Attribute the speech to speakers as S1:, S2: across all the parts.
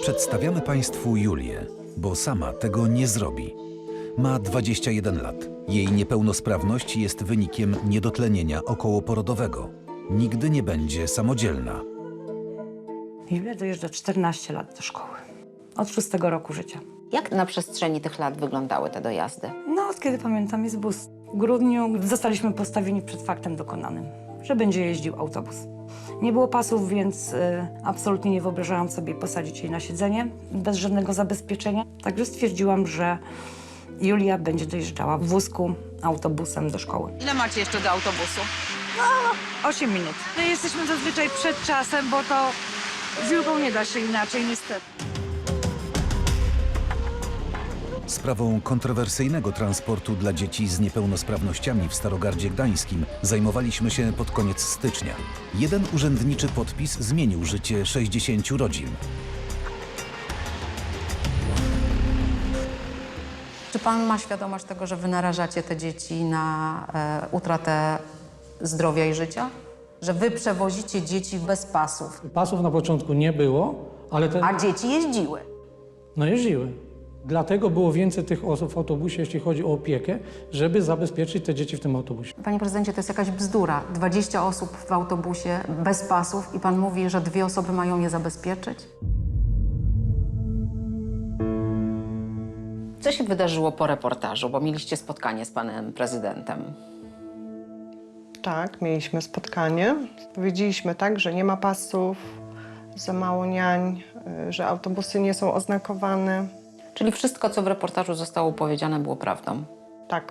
S1: Przedstawiamy Państwu Julię, bo sama tego nie zrobi. Ma 21 lat. Jej niepełnosprawność jest wynikiem niedotlenienia okołoporodowego. Nigdy nie będzie samodzielna.
S2: Julia dojeżdża 14 lat do szkoły. Od 6 roku życia.
S3: Jak na przestrzeni tych lat wyglądały te dojazdy?
S2: No, od kiedy pamiętam, jest bus. W grudniu zostaliśmy postawieni przed faktem dokonanym, że będzie jeździł autobus. Nie było pasów, więc absolutnie nie wyobrażałam sobie posadzić jej na siedzenie bez żadnego zabezpieczenia. Także stwierdziłam, że Julia będzie dojeżdżała w wózku autobusem do szkoły.
S4: Ile macie jeszcze do autobusu?
S2: 8 minut.
S4: My jesteśmy zazwyczaj przed czasem, bo to z Julką nie da się inaczej, niestety.
S1: Sprawą kontrowersyjnego transportu dla dzieci z niepełnosprawnościami w Starogardzie Gdańskim zajmowaliśmy się pod koniec stycznia. Jeden urzędniczy podpis zmienił życie 60 rodzin.
S5: Czy pan ma świadomość tego, że wy narażacie te dzieci na utratę zdrowia i życia? Że wy przewozicie dzieci bez pasów,
S6: Pasów na początku nie było, ale
S5: a dzieci jeździły.
S6: jeździły. Dlatego było więcej tych osób w autobusie, jeśli chodzi o opiekę, żeby zabezpieczyć te dzieci w tym autobusie.
S5: Panie prezydencie, to jest jakaś bzdura. 20 osób w autobusie bez pasów i pan mówi, że 2 osoby mają je zabezpieczyć?
S3: Co się wydarzyło po reportażu, bo mieliście spotkanie z panem prezydentem?
S7: Tak, mieliśmy spotkanie. Powiedzieliśmy tak, że nie ma pasów, za mało niań, że autobusy nie są oznakowane.
S3: Czyli wszystko, co w reportażu zostało powiedziane, było prawdą.
S7: Tak.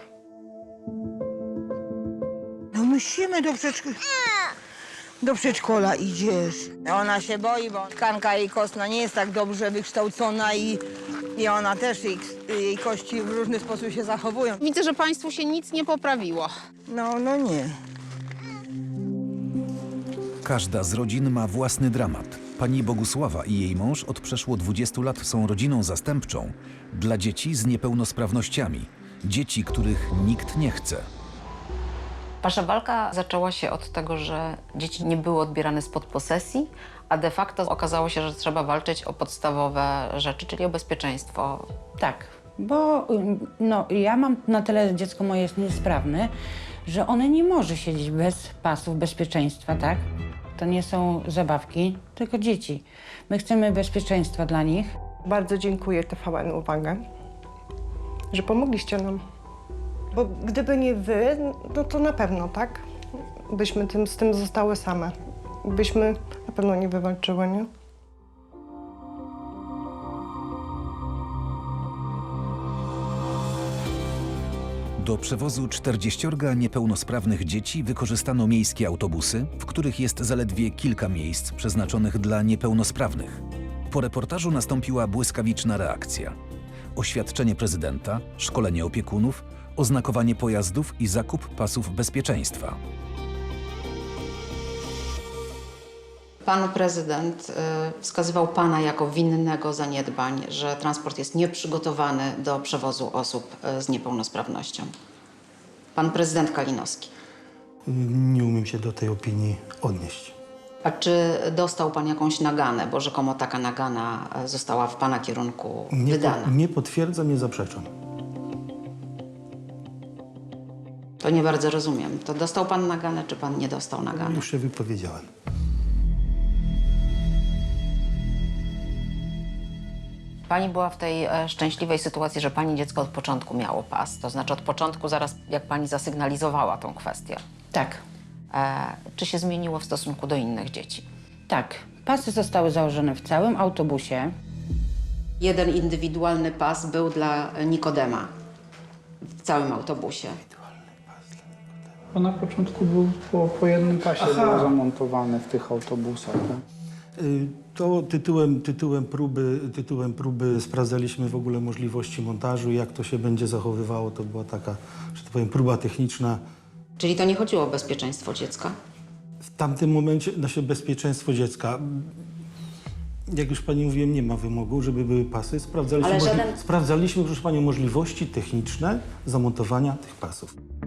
S8: No musimy do przedszkola idziesz. Ona się boi, bo tkanka jej kostna nie jest tak dobrze wykształcona i ona też, jej kości w różny sposób się zachowują.
S4: Widzę, że państwu się nic nie poprawiło.
S8: No nie.
S1: Każda z rodzin ma własny dramat. Pani Bogusława i jej mąż od przeszło 20 lat są rodziną zastępczą dla dzieci z niepełnosprawnościami. Dzieci, których nikt nie chce.
S3: Wasza walka zaczęła się od tego, że dzieci nie były odbierane spod posesji, a de facto okazało się, że trzeba walczyć o podstawowe rzeczy, czyli o bezpieczeństwo.
S2: Tak, bo no, ja mam na tyle, dziecko moje jest niesprawne, że one nie może siedzieć bez pasów bezpieczeństwa, tak? To nie są zabawki, tylko dzieci. My chcemy bezpieczeństwa dla nich.
S7: Bardzo dziękuję TVN Uwaga, że pomogliście nam. Bo gdyby nie wy, no to na pewno, tak? Byśmy z tym zostały same. Byśmy na pewno nie wywalczyły, nie?
S1: Do przewozu 40 niepełnosprawnych dzieci wykorzystano miejskie autobusy, w których jest zaledwie kilka miejsc przeznaczonych dla niepełnosprawnych. Po reportażu nastąpiła błyskawiczna reakcja. Oświadczenie prezydenta, szkolenie opiekunów, oznakowanie pojazdów i zakup pasów bezpieczeństwa.
S3: Pan prezydent wskazywał pana jako winnego zaniedbań, że transport jest nieprzygotowany do przewozu osób z niepełnosprawnością. Pan prezydent Kalinowski.
S9: Nie umiem się do tej opinii odnieść.
S3: A czy dostał pan jakąś naganę, bo rzekomo taka nagana została w pana kierunku wydana?
S9: Nie potwierdzam, nie zaprzeczam.
S3: To nie bardzo rozumiem. To dostał pan naganę, czy pan nie dostał nagany?
S9: Już się wypowiedziałem.
S3: Pani była w tej szczęśliwej sytuacji, że pani dziecko od początku miało pas. To znaczy od początku, zaraz jak pani zasygnalizowała tą kwestię.
S2: Tak,
S3: Czy się zmieniło w stosunku do innych dzieci?
S2: tak. Pasy zostały założone w całym autobusie.
S3: Jeden indywidualny pas był dla Nikodema w całym autobusie.
S10: Bo na początku był po jednym pasie było zamontowane w tych autobusach. Tak?
S9: To tytułem próby sprawdzaliśmy w ogóle możliwości montażu, jak to się będzie zachowywało. To była taka, że tak powiem, próba techniczna.
S3: Czyli to nie chodziło o bezpieczeństwo dziecka?
S9: W tamtym momencie nasze bezpieczeństwo dziecka, jak już pani mówiłem, nie ma wymogu, żeby były pasy. Sprawdzaliśmy,
S3: Ale żaden-
S9: sprawdzaliśmy, proszę panią, możliwości techniczne zamontowania tych pasów.